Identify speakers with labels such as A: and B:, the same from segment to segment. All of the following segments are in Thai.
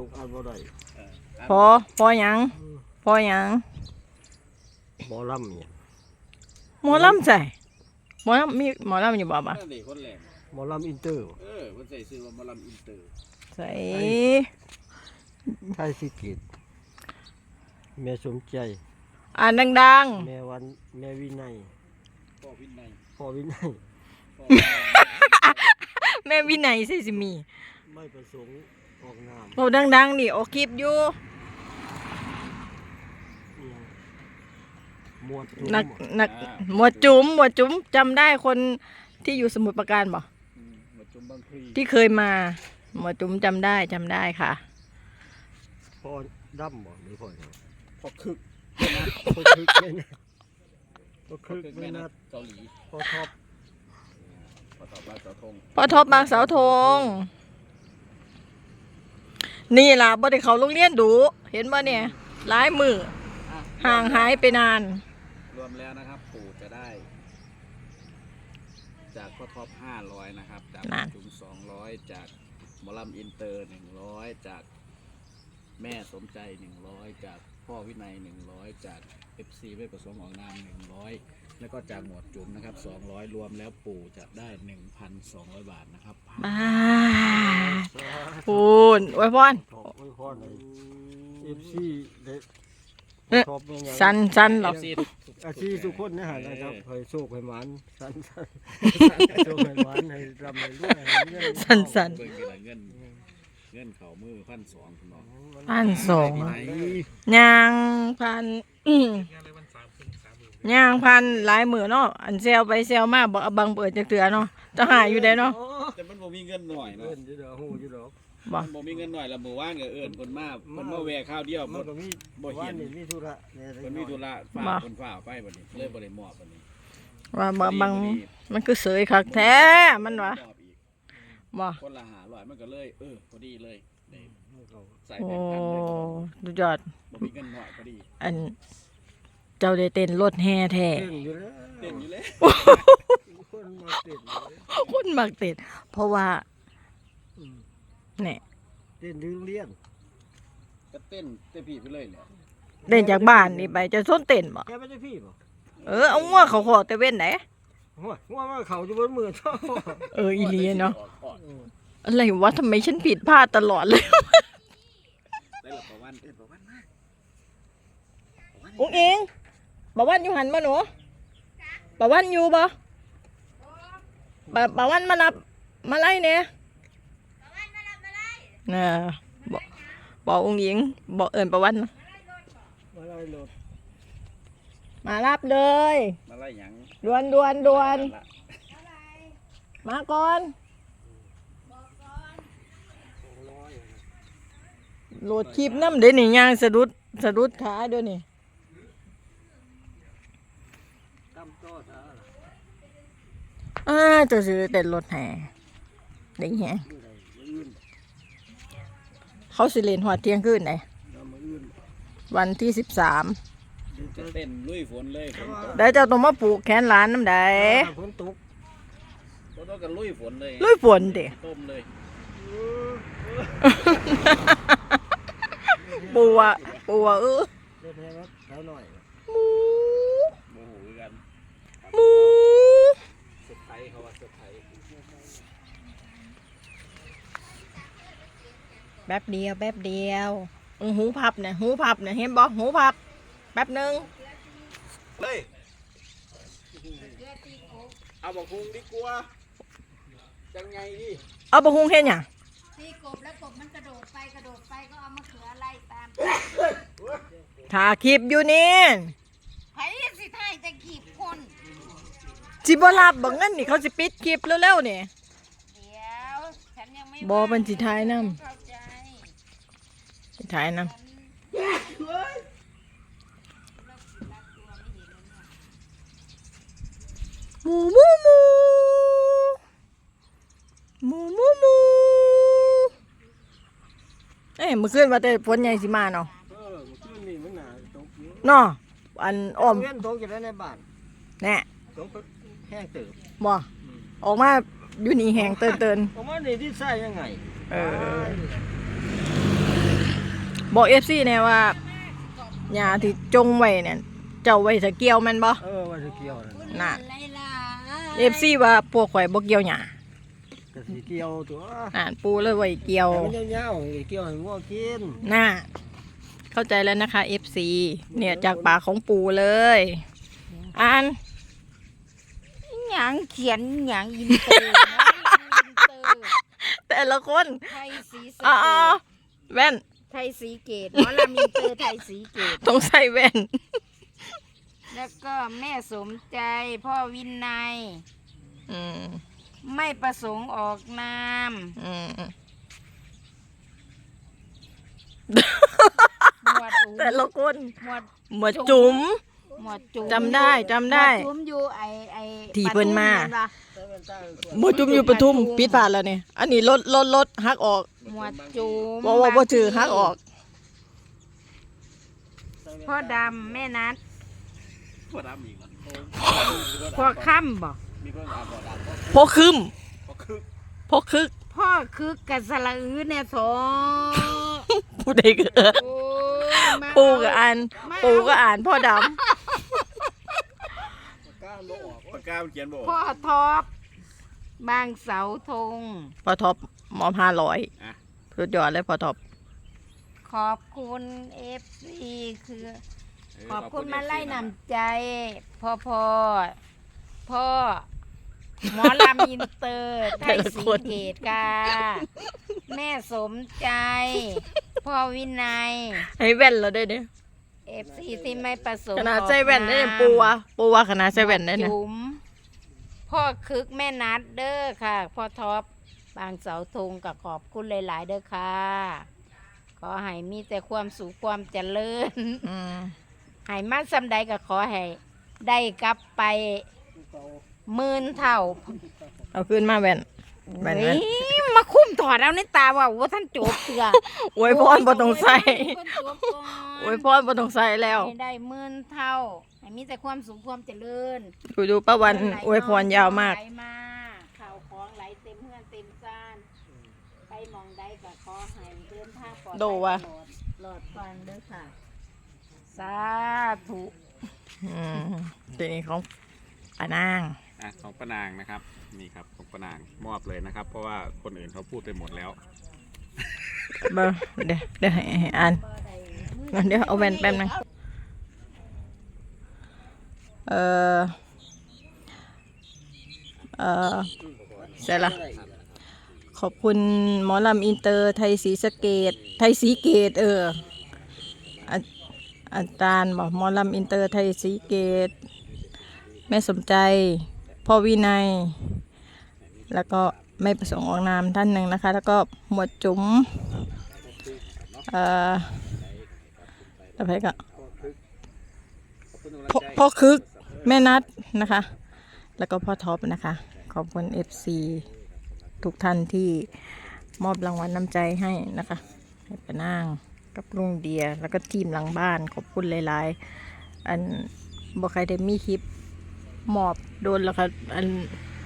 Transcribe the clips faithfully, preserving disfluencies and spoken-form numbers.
A: อ่านบ่ได้
B: พอพอหยังพอหยัง
A: หมอลำเนี่ย
B: หมอลำใส่หมอลำมีหมอลำอยู่บ่บ่
A: หมอลำอินเตอร์
C: เออมันใส่ซื้อว่าหมอลำอินเตอร์
B: ใส่
A: ไทยสิกิตแม่สมใจ
B: อ่านดัง
A: ๆแม่วันแม่วินัย
C: พ่อวินัย
A: พ่อวินัย
B: แม่วินัยใส่สิมี
A: ไม่ประสงค์ออกนาม
B: โอ้ดังๆนี่ออกคลิปอยู่
A: หมวด
B: นักนักหมวดจุ๋มหมวดจุ๋มจำได้คนที่อยู่สมุทรปราการบ่ที่เคยมาหมวดจุ๋มจำได้จำได้ค่ะ
A: พ่อดำบ่หรือพ่อ
C: พ่อคึก
A: พ่อคึกไม่นัดพ่อคึกไม่นัด
C: เกาหลี
A: พ่อท็อป
C: พ่อท็อปบางเสาธง
B: พ่อท็อปบางเสาธงนี่ล่ะบ่ได้เข้าโรงเรียนดูเห็นบ่เนี่ยหลายมือห่างหายไปนาน
C: รวมแล้วนะครับปู่จะได้จากพ่อท็อปห้าร้อยนะครับจากจุ๋มสองร้อยจากหมอลำอินเตอร์หนึ่งร้อยจากแม่สมใจหนึ่งร้อยจากพ่อวินัยหนึ่งร้อยจากเอฟซีไม่ประสงค์ออกนามหนึ่งร้อยแล้วก็จากหมวดจุ๋มนะครับสองร้อยรวมแล้วปู่จะได้หนึ่งพันสองร้อยบาทนะครับ
B: บ้าปูนอวยพร
A: อวยพรเอฟซีเด็ก
B: สันสันหรอ
A: อาชีพทุกคนนะฮะนะครับให้โชคให้หวานสันสันโชคให้หวานให้รำให้รวย
B: สันสัน
C: เงินเงินเข่ามือพันสองคุณน้อง
B: พันสองยางพันยางพันหลายหมื่นเนาะอันเซลไปเซลมาบอกบังเปิดจะเตือเนาะจะหายอยู่ได้เนาะ
C: แต่มันบ่มีเงินหน่อยเนาะ
B: บ่
C: บ่มีเงินหน่อยละหมู่บ้านก็เอิ้นคนมาเพิ่นมาแวะข้าวเดียวบ่บ่เห็น
A: มีธุระ
C: เพิ่นมีธุระฝากคนฝากไปบัดนี้เลยบ่ได้มอบบัดนี้
B: ว่าบางมันคือเสยคักแท้มันวะบ่
C: คนละห้าร้อยมันก็เลยเออพอดีเลย
B: ใส่แบงค์พันเลยดูยอด
C: บ่มีเงินหน่อยพอดี
B: อันเจ้าได้เต้นรถแห่แท้
C: เต้นอยู่แล้วเต้นอยู่แล้ว
A: คนมาเต้น
B: คนมักเต้นเพราะว่าเนี่ย
A: เต้นดึงเลี้ยง
C: ก็เต้นเต้นพี่ไปเลยเนี่ย
B: เต้นจากบ้านนี่ไปจะส้นเต้นบ่
A: แกไม่ใช่พี่บ่
B: เออเอางัวเขาขอแต่เว้นไหน
A: งัวงัวมาเขาอยู่บนมือท่อ
B: เอออีเลียเนาะอะไรวะทำไมฉันผิดพลาดตลอดเลย
C: ได้หรอประวันเต้นประวันมาก
B: อุ้งเองประวันอยู่หันมาหนูประวันอยู่บ่ประวันมารับมาไล่เนี่ยน่ะบอกบอกองค์หญิงบอกเอิญประวันนะ
A: มาไล่รถ
B: มารับเลย
C: มาไล่หยัง
B: ดวนดวนดวนมาก่อนโหลดคลิปน้ำเดี๋ยวนี่ย่างสะดุดสะดุดขาเดี๋ยวนี้อ่าจะซื้อเต็นรถแห่เด็กแห่เขาสิเลนหัวเที่ยงคืนไหนวันที่สิบสาม
C: เต้นลุยฝนเลย
B: ได้เจ้าตัวมาปลูกแขนหลานน้ำใด
A: ฝนตก
C: ฝนตกกันลุยฝนเลย
B: ลุยฝนเด็ก
C: ต้มเลย
B: ปัวปัวเออ
A: มู
C: มูกัน
B: มู
C: สุดไทยเขาว่าสุดไทย
B: แป๊บเดียวแป๊บเดียวหูพับเนี่ยหูพับเนี่ยเห็นบอกหูพับแป๊บนึง
C: เลยเอาบักฮุงดีกว่าจังไงดิ
B: เอาบักฮุงเห็นยัง
D: ตีกบแล้วกบมันกระโดดไปกระโดดไปก็เอามะเขือไล่ตาม
B: ถ่าคลิปอยู่นี่
D: ไผ่สิไทยจะขีบคน
B: จิบลาบบังเงินนี่เขาจะปิดคลิปเร็วๆนี่
D: เดี๋ยวฉันยังไม่
B: บอเป็นสิท้ายน้ำถ่ายน้ำมูมูมูมูมูมูเอ้ยเมื่อคืนว่าแต่ฝนใหญ่สิมาเนาะ
A: เออเมื่อคืนนี่มันหนาตก
B: เนาะอันอ้อม
A: เงินตกอยู่ในบ้าน
B: แน่
A: ตกแห้งเติบ
B: บ่ออกมาอยู่นี่แห้งเตินเติน
A: ออกมานี่ที่ใส่ยังไง
B: เออบอก เอฟ ซี แน่ว่าหญ้าที่จงไว้เนี่ยเจ้าไว้ถ้าเกี่ยวแม่นบ่
A: เออว่าสิเกี่ยวนั่น
B: น่ะ
D: อะไรล่ะ
B: เอฟ ซี ว่าพวกข่อยบ่เกี่ยวหญ้า
A: ก็สิเกี่ยวตัว
B: อ่านปูเลยไว้เกี่ยว
A: แต่มันยาวๆสิเกี่ยวให้งัวกิน
B: น่ะเข้าใจแล้วนะคะ เอฟ ซี เนี่ยจากปากของปูเลย อ่าน
D: หยังเขียนหยังอินเตอร์นะอินเตอร์
B: แต่ละคน
D: ไทยสีสะ
B: อ๋อ
D: เกษ
B: แว่น
D: ไทยสีเกตหมอลำอินเตอร์ไทยสีเกต
B: ต้องใส่แว่น
D: แล้วก็แม่สมใจพ่อวินัย
B: อืม
D: ไม่ประสงค์ออกนาม
B: อืม
D: หมวดอุ๋ม
B: แต่ละคน
D: หมวด
B: หมวดจุ๋ม
D: หมวดจุ๋ม
B: จำได้จำได้
D: หมวจุ๋มอยู่ไอไอ
B: ที่เพิ่นมา
D: ปทุแนปะ
B: หมวดจุ๋มอยู่ปทุมปิดผ่านแล้วเนี่ยอันนี้ลดลดลดหักออก
D: หมวดจุ๋ม
B: ว่าว่าบ่ถือหักออก
D: พ่อดำแม่นัด
C: พ่อดำอีกแล้ว
D: พ่อค่ำบ่
C: มีคนอ่านบ่อดำพ่อ
B: พกคึม
C: พ่อคึก
B: พกคึก
D: พ่อคึกกับสละอือเนี่ยโถ
B: ผู้ใดก็เออ
D: โอ้ยมา
B: ปูก็อ่าน
D: มา
B: ปูก็อ่านพ่อด
A: กล้าบ่ออก
C: ปากกามันเขียนบ่ออก
D: พ่อท็อปบางเสาธง
B: ำพ่อท็อปมอมห้าร้อย
C: อ่ะ
B: สุดยอดเลยพ่อท็อป
D: ขอบคุณเอฟซีคือ ขอบคุณมาไล่นำใจ พ่อพ่อพ่อหมอลำอินเตอร์ไทยสีเกตกาแม่สมใจ พ่อวินัย
B: ให้แว่นเราได้เนี่ย
D: เอฟซีที่ไม่ประสงค์
B: ขนาดใส่แว่นได้เนี่ยปูวะปูวะขนาดใส่แว่นได้เนี่ย
D: จุ๋มพ่อคึกแม่นัดเด้อค่ะ พ่อท็อปบางเสาธงกับขอบคุณหลาย ๆ เด้อค่ะ ขอให้มีแต่ความสุขความเจริญ
B: อืม
D: ให้มาสำใดก็ขอให้ได้กลับไปหมื่นเท่า
B: เอาขึ้นมาแว่นแว่น
D: เฮ้
B: แว่น
D: ยมาคุ้มถอดเอาในตาว่าว่าท่านจบเถื่อ
B: อวยพรบ่ต้องใส่
D: โอ้ยจบก่อน
B: อวยพรบ่ต้องใส่แล้ว
D: ให้ได้หมื่นเท่าให้มีแต่ความสุขความเจริญ
B: ดูดูป้าวันอวยพรยาวมาก
D: ไหลมาข่าวของไหลเต็มเฮือนเต็มซ่านไปหมองใดก็ขอให้เดินทางปลอดภัย
B: โดวะ
D: ตลอดหลอดฟังเด้อค่ะ สาธุ
B: อืมทีนี้ของป้านาง
C: อ่ะของป้านางนะครับนี่ครับของป้านางมอบเลยนะครับ เพราะว่าคนอื่นเขาพูดไปหมดแล้ว
B: เบอร์เดี๋ยวเดี๋ยวให้ให้อ่านเดี๋ยวเอาแว่นแป๊บนึงเอ่อเอ่อเสร็จละขอบคุณหมอลำอินเตอร์ไทยศรีสะเกดไทยศรีเกตเอออาอาจารย์บอกหมอลำอินเตอร์ไทยศรีเกตแม่สมใจพ่อวินัย แล้วก็ไม่ประสงค์ออกนามท่านหนึ่งนะคะ แล้วก็หมวดจุ๋มเอ่ออะไรก็พ่อพ่อคึกแม่นัดนะคะ แล้วก็พ่อท็อปนะคะ ขอบคุณ เอฟ ซี ทุกท่านที่มอบรางวัลน้ำใจให้นะคะให้ป้านางกับลุงเดีย แล้วก็ทีมหลังบ้านขอบคุณหลายๆ อันบอกใครได้มีคลิปมอบโดนแล้วค่ะอัน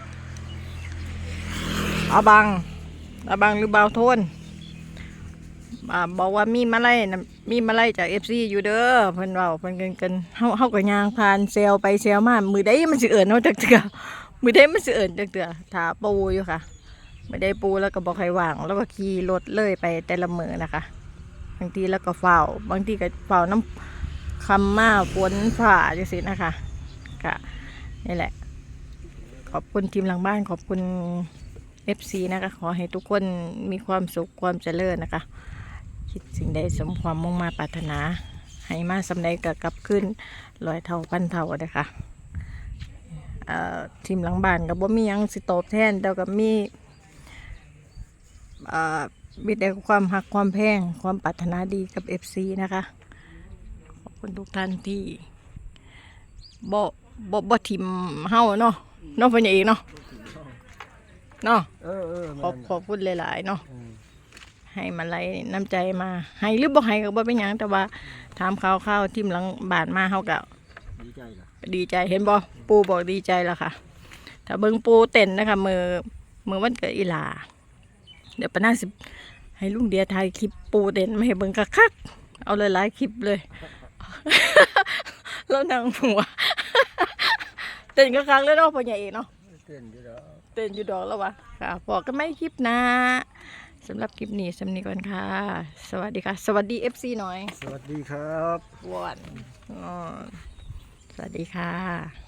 B: อาบังอาบังหรือเบาโทนอ่าบอกว่ามีมาไล่นะมีมาไล่จาก เอฟ ซี อยู่เด้อเพิ่นเว้าเพิ่นเกินกันเฮาเฮาก็ย่างผ่านเซลไปเซลมามือใดมันสิเอิ้นเฮาจักเทื่อมือใดมันสิเอิ้นจักเทื่อถ้าปูอยู่ค่ะไม่ได้ปูแล้วก็บ่ค่อยว่างแล้วก็ขี่รถเลยไปแต่ละมื้อนะคะบางทีแล้วก็เฝ้าบางทีก็เฝ้าน้ำคำมาฝนฝ่าจังซี่นะคะก็นี่แหละ ขอบคุณทีมหลังบ้านขอบคุณ เอฟ ซี นะคะขอให้ทุกคนมีความสุขความเจริญนะคะคิดสิ่งใดสมความมุ่งมาปรารถนาให้มาสำใดกับกลับขึ้นร้อยเท่าพันเท่านะคะเอ่อทีมหลังบ้านกับบ่มีหยังสิตอบแทนแต่กับมีเอ่อมีแต่ความหักความแพงความปรารถนาดีกับ เอฟ ซี นะคะขอบคุณทุกท่านที่บ่บ่บ่ทิมเฮาเนาะเนาะเพิ่นเองเนาะเนาะ
A: เออเออ
B: ขอบขอบคุณหลายๆเนาะ
A: อืม
B: ให้มาไล่น้ำใจมาให้หรือบ่ให้ก็บ่เป็นหยังแต่ว่าถามข่าวข่าวๆทีมหลังบ้านมาเฮาก็
A: ดีใจล่ะ
B: ดีใจเห็นบ่ปูบอกดีใจแล้วค่ะ ถ้าเบิ่งปูเต้นนะคะมือมือวันเกิดอีหลาเดี๋ยวปะน่าสิให้ลุงเดียถ่ายคลิปปูเต้นมาให้เบิ่งคักๆเอาหลายๆคลิปเลย แล้วนางหัว เต้นก็ครั้งแล้วเนาะพ่อใหญ่เอกเนาะ
A: เต้นอยู่แล้ว
B: เต้นอยู่ดอกแล้ววะค่ะบอกกันไม่คลิปหนะสำหรับคลิปนี้สำนีก่อนค่ะ สวัสดีค่ะ สวัสดี เอฟ ซี หน่อย
A: สวัสดีครับ
B: วอนอ๋อสวัสดีค่ะ